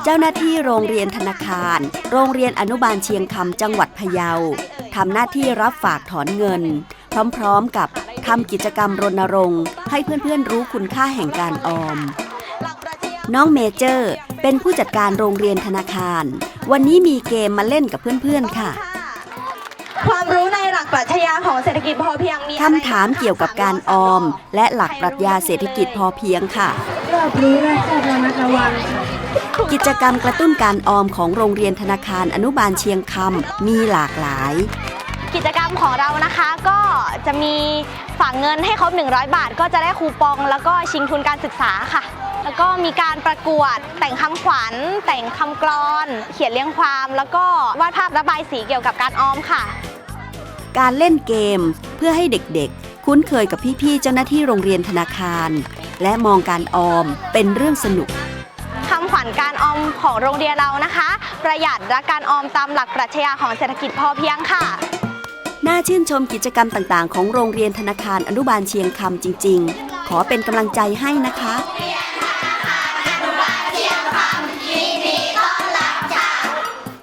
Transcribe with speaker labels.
Speaker 1: เจ้าหน้าที่โรงเรียนธนาคารโรงเรียนอนุบาลเชียงคำจังหวัดพะเยาทำหน้าที่รับฝากถอนเงินพร้อมๆกับทำกิจกรรมรณรงค์ให้เพื่อนๆรู้คุณค่าแห่งการออมน้องเมเจอร์เป็นผู้จัดการโรงเรียนธนาคารวันนี้มีเกมมาเล่นกับเพื่อนๆค่ะ
Speaker 2: ความรู้ในหลักปรัชญาของเศรษฐกิจพอเพียงมี
Speaker 1: คำถามเกี่ยวกับการออมและหลักปรัชญาเศรษฐกิจพอเพียงค่ะ
Speaker 3: รอบรู้และข้อระมัดระวัง
Speaker 1: กิจกรรมกระตุ้นการออมของโรงเรียนธนาคารอนุบาลเชียงคำมีหลากหลาย
Speaker 2: กิจกรรมของเรานะคะก็จะมีฝากเงินให้ครบ100 บาทก็จะได้คูปองแล้วก็ชิงทุนการศึกษาค่ะแล้วก็มีการประกวดแต่งคำขวัญแต่งคำกลอนเขียนเรียงความแล้วก็วาดภาพระบายสีเกี่ยวกับการออมค่ะ
Speaker 1: การเล่นเกมเพื่อให้เด็กๆคุ้นเคยกับพี่ๆเจ้าหน้าที่โรงเรียนธนาคารและมองการออมเป็นเรื่องสนุก
Speaker 2: คำขวัญการออมของโรงเรียนเรานะคะประหยัดและการออมตามหลักปรัชญาของเศรษฐกิจพอเพียงค่ะ
Speaker 1: น่าชื่นชมกิจกรรมต่างๆของโรงเรียนธนาคารอนุบาลเชียงคำจริงๆขอเป็นกำลังใจให้นะคะ